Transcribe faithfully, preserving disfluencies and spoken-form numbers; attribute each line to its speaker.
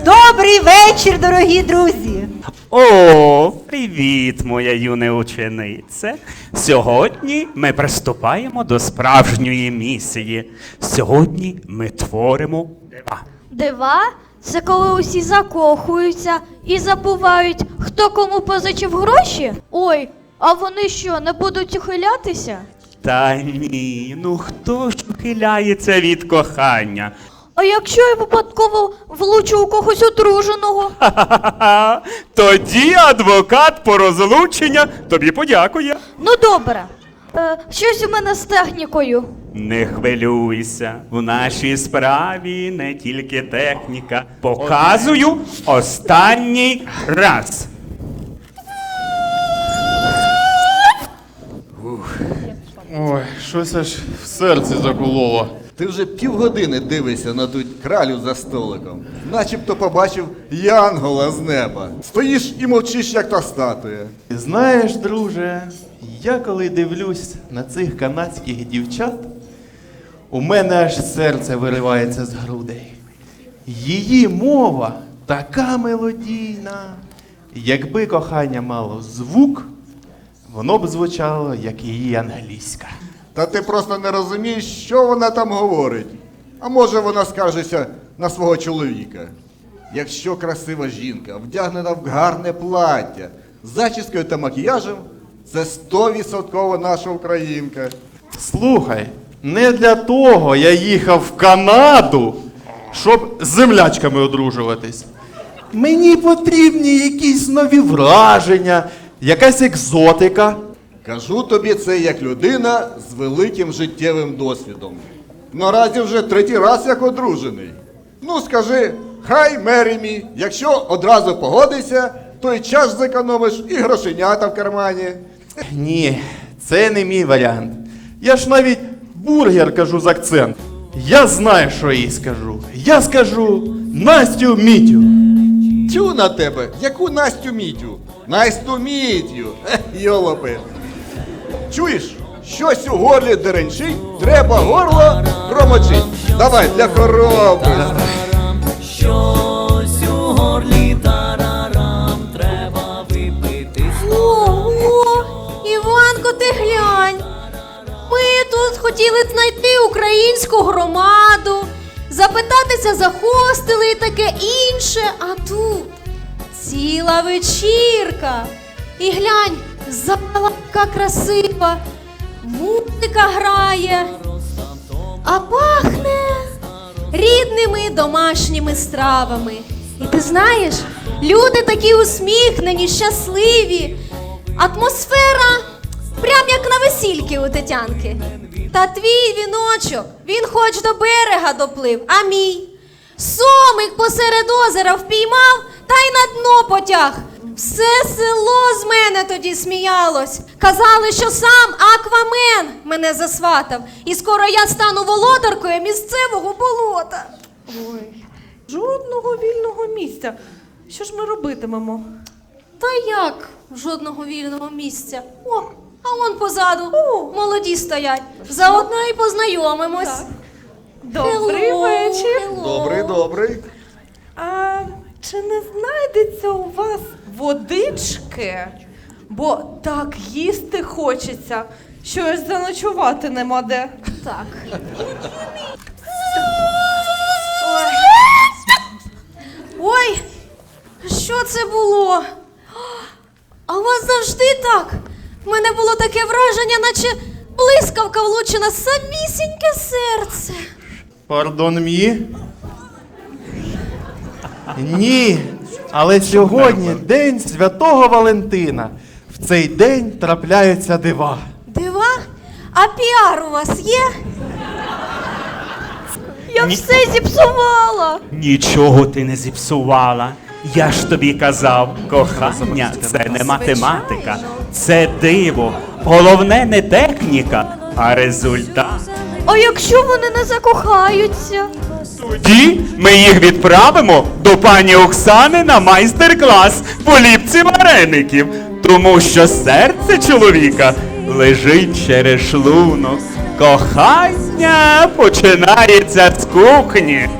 Speaker 1: Добрий вечір, дорогі друзі!
Speaker 2: О, привіт, моя юна учениця. Сьогодні ми приступаємо до справжньої місії. Сьогодні ми творимо дива.
Speaker 3: Дива? Це коли усі закохуються і забувають, хто кому позичив гроші? Ой, а вони що, не будуть ухилятися?
Speaker 2: Та ні, ну хто ж ухиляється від кохання?
Speaker 3: А якщо я випадково влучу у когось одруженого?
Speaker 2: Ха-ха-ха! Тоді адвокат по розлучення тобі подякує.
Speaker 3: Ну добре. Е, щось у мене з технікою.
Speaker 2: Не хвилюйся, в нашій справі не тільки техніка. Показую останній раз.
Speaker 4: Ой, щось аж в серці закололо.
Speaker 5: Ти вже півгодини дивишся на ту кралю за столиком. Начебто побачив янгола з неба. Стоїш і мовчиш, як та статуя.
Speaker 4: Знаєш, друже, я коли дивлюсь на цих канадських дівчат, у мене аж серце виривається з грудей. Її мова така мелодійна. Якби кохання мало звук, воно б звучало, як її англійська.
Speaker 5: Та ти просто не розумієш, що вона там говорить. А може вона скаржиться на свого чоловіка. Якщо красива жінка, вдягнена в гарне плаття, з зачіскою та макіяжем, це стовідсотково наша українка.
Speaker 4: Слухай, не для того я їхав в Канаду, щоб з землячками одружуватись. Мені потрібні якісь нові враження, якась екзотика.
Speaker 5: Кажу тобі це як людина з великим життєвим досвідом. Наразі вже третій раз як одружений. Ну скажи, хай marry me. Якщо одразу погодишся, то й час зекономиш, і грошенята в кармані.
Speaker 4: Ні, це не мій варіант. Я ж навіть бургер кажу з акцент. Я знаю, що їй скажу. Я скажу Настю Мітю.
Speaker 5: Тю на тебе, яку Настю Мітю? Настю Мітю, Ех, йолопи. Чуєш, щось у горлі деренчить, треба горло промочить. Давай, для хороби.
Speaker 6: Щось у горлі тарарам, треба випити.
Speaker 3: Ого, Іванко, ти глянь. Ми тут хотіли знайти українську громаду, запитатися за хостели і таке інше, а тут ціла вечірка. І глянь, зала яка красива, музика грає, а пахне рідними домашніми стравами. І ти знаєш, люди такі усміхнені, щасливі, атмосфера прям як на весільки у Тетянки. Та твій віночок, він хоч до берега доплив, а мій сомик посеред озера впіймав та й на дно потяг. Все село з мене тоді сміялось. Казали, що сам Аквамен мене засватав. І скоро я стану володаркою місцевого болота.
Speaker 1: Ой, жодного вільного місця. Що ж ми робитимемо?
Speaker 3: Та як жодного вільного місця? О, а вон позаду молоді стоять. Заодно і познайомимось.
Speaker 1: Так. Добрий
Speaker 3: Hello,
Speaker 1: вечір.
Speaker 3: hello.
Speaker 5: Добрий, добрий.
Speaker 1: А чи не знайдеться у вас водички? Бо так їсти хочеться, що аж заночувати нема де.
Speaker 3: Так. Ой, що це було? А у вас завжди так? У мене було таке враження, наче блискавка влучена в самісіньке серце.
Speaker 4: Пардон мі? Ні, але сьогодні день Святого Валентина. В цей день трапляються дива.
Speaker 3: Дива? А піар у вас є? Я
Speaker 2: Ні.
Speaker 3: все зіпсувала.
Speaker 2: Нічого ти не зіпсувала. Я ж тобі казав, кохання – це не математика, це диво. Головне не техніка, а результат.
Speaker 3: А якщо вони не закохаються?
Speaker 2: Тоді ми їх відправимо до пані Оксани на майстер-клас по ліпці вареників, тому що серце чоловіка лежить через шлунок. Кохання починається з кухні.